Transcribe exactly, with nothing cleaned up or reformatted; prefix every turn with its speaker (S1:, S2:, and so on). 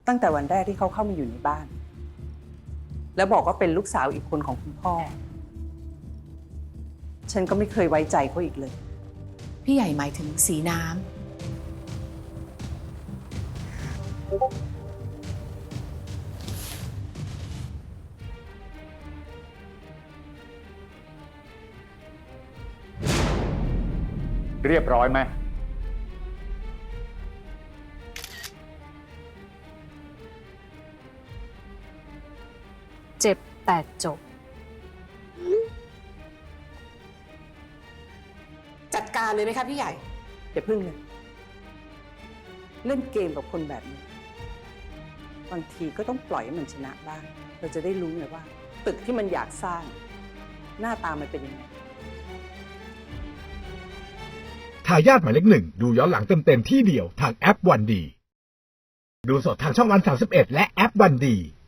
S1: ตั้งแต่วันแรกที่เขาเข้ามาอยู่ในบ้าน แล้วบอกว่าเป็นลูกสาวอีกคนของคุณพ่อ ฉันก็ไม่เคยไว้ใจเขาอีกเลย
S2: พี่ใหญ่หมายถึงสีน้ำ
S3: เรียบร้อยไหม
S4: เจ็บแต่จบ
S2: จัดการเลยไหมคะพี่ใหญ่
S1: อย่าพึ่งเลย เล่นเกมกับคนแบบนี้ บางทีก็ต้องปล่อยให้มันชนะบ้าง เราจะได้รู้ไงว่า ตึกที่มันอยากสร้าง หน้าตามันเป็นยังไง
S5: ทายาทหมายเลขหนึ่งดูย้อนหลังเต็มๆที่เดียวทางแอปวันดี ดูสดทางช่องวันสามสิบเอ็ดและแอปวันดี